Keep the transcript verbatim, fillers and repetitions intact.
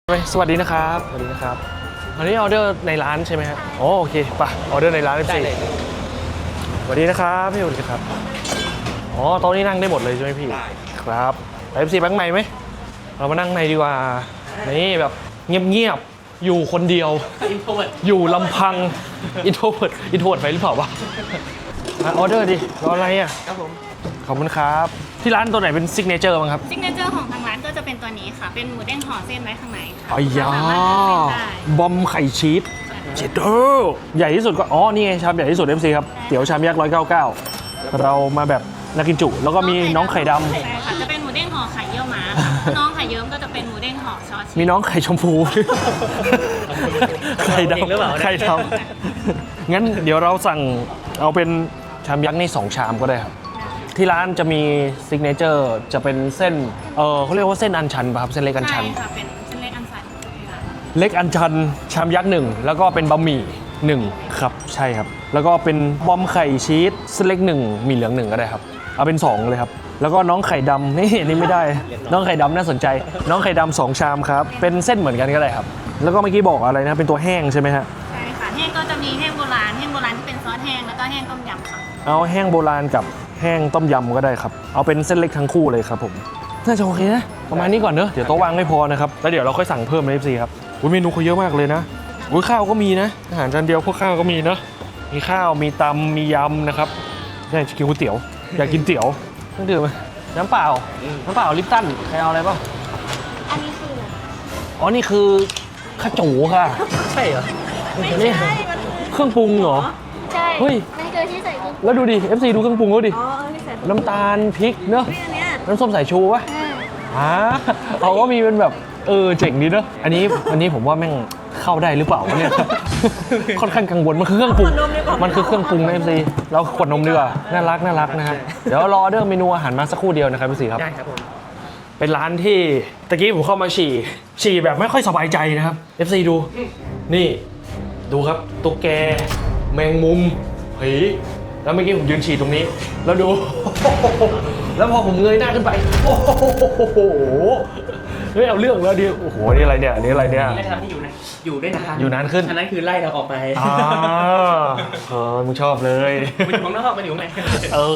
สวัสดีนะครับสวัสดีนะครับอันนี้ออเดอร์ในร้านใช่ไหมครับโอโอเคป่ะออเดอร์ในร้านได้เลยสวัสดีนะครับพี่สวัสดีครับอ๋อโต๊ะนี้นั่งได้หมดเลยใช่ไหมพี่ครับไปเอฟซีแบงค์ใหม่ไหมเรามานั่งในดีกว่านี่แบบเงียบๆอยู่คนเดียวอยู่ลำพังอินโทรเวิร์ดอินโทรเวิร์ดไปหรือเปล่าวะออเดอร์ดิรออะไรอ่ะครับผมขอบคุณครับที่ร้านตัวไหนเป็นซิกเนเจอร์บ้างครับซิกเนเจอร์ของทางร้านก็จะเป็นตัวนี้ค่ะเป็นหมูเด้งห่อเส้นไว้ข้างในค่ะอ้ยาสามารถเลือกเส้นได้บอมไข่ชีสเจดเดอร์ใหญ่ที่สุดก็อ๋อนี่ไงชามใหญ่ที่สุด เอฟ ซี ครับเตี๋ยวชามยักษ์หนึ่งร้อยเก้าสิบเก้าเรามาแบบนักกินจุแล้วก็มีน้องไข่ดำใช่ค่ะจะเป็นหมูเด้งห่อไข่เยี่ยวม้าค่ะน้องไข่เยิ้มก็จะเป็นหมูเด้งห่อซอสชีสมีน้องไข่ชมพูไข่ดำไข่ดำงั้นเดี๋ยวเราสั่งเอาเป็นชามยักษ์นี่สองชามก็ได้ครับที่ร้านจะมีซิกเนเจอร์จะเป็นเส้นเออเขาเรียกว่าเส้นอันชันป่ะครับเส้นเล็กอันชันใช่ค่ะเป็นเส้นเล็กอันชันค่ะเล็กอันชันชามยักษ์หนึ่งแล้วก็เป็นบะหมี่หนึ่งครับใช่ครับแล้วก็เป็นบอมไข่ชีสเส้นเล็กหนึ่งหมี่เหลืองหนึ่งก็ได้ครับเอาเป็นสองเลยครับแล้วก็น้องไข่ดำนี่นี่ไม่ได้น้องไข่ดำน่าสนใจน้องไข่ดำสองชามครับเป็นเส้นเหมือนกันก็ได้ครับแล้วก็เมื่อกี้บอกอะไรนะเป็นตัวแห้งใช่ไหมฮะใช่ค่ะแห้งก็จะมีแห้งโบราณแห้งโบราณที่เป็นซอสแห้งแล้วก็แห้งต้มยำค่ะเอาแห้งโบราณกับแห้งต้มยำก็ได้ครับเอาเป็นเส้นเล็กทั้งคู่เลยครับผมน่าจะโอเคนะประมาณนี้ก่อนเนอะเดี๋ยวโต๊ะวางไม่พอนะครับแล้วเดี๋ยวเราค่อยสั่งเพิ่มใน เอฟ ซี ครับอุ๊ยเมนูเขาเยอะมากเลยนะอุ๊ยข้าวก็มีนะอาหารจานเดียวพวกข้าวก็มีเนอะมีข้าวมีตำมียำนะครับอยากกินก๋วยเตี๋ยวอยากกินเตี๋ยวต้องดื่มไหมน้ำเปล่าน้ำเปล่าลิปตันใครเอาอะไรบ้างอันนี้คืออะไรอ๋อนี่คือข้าวจูค่ะใช่เหรอไม่นี่ใช่มันคือเครื่องปรุงเหรอใช่เฮ้ยมันคือที่ใส่กุ้งแล้วดูดิ เอฟ ซี ดูเครื่องปรุงเขาดิอ๋อที่ใส่น้ำตาลพริกเนอะอันเนี้ยน้ำส้มสายชูวะ อ่าเขาก็มีเป็นแบบเออเจ๋งดีเนอะอันนี้อันนี้ผมว่าแม่งเข้าได้หรือเปล่าวะเนี่ย ค่อนข้างกังวลมันคือเครื่องปรุงมันคือเครื่องปรุงนะ เอฟ ซี เราขวดนมดีกว่าน่ารักน่ารักนะฮะเดี๋ยวรอเรื่องเมนูอาหารมาสักครู่เดียวนะครับพี่สีครับได้ครับผมเป็นร้านที่ตะกี้ผมเข้ามาฉี่ฉี่แบบไม่ค่อยสบายใจนะครับ เอฟ ซี ดูนี่ดูครับตุ๊กแกแมงมุมผีแล้วเมื่อกี้ผมยืนฉี่ตรงนี้แล้วดู แล้วพอผมเงยหน้าขึ้นไปโอ้โหเฮ้ยเอาเรื่องแล้วดิโอ้โหนี่อะไรเนี่ยอันนี้อะไรเนี่ยไม่ทำให้อยู่นะอยู่ได้นานอยู่นานขึ้นอันนั้นคือไล่เราออกไปอ่าเออมึงชอบเลยมันอยู่ข้างนอกมันอยู่ข้างในเออ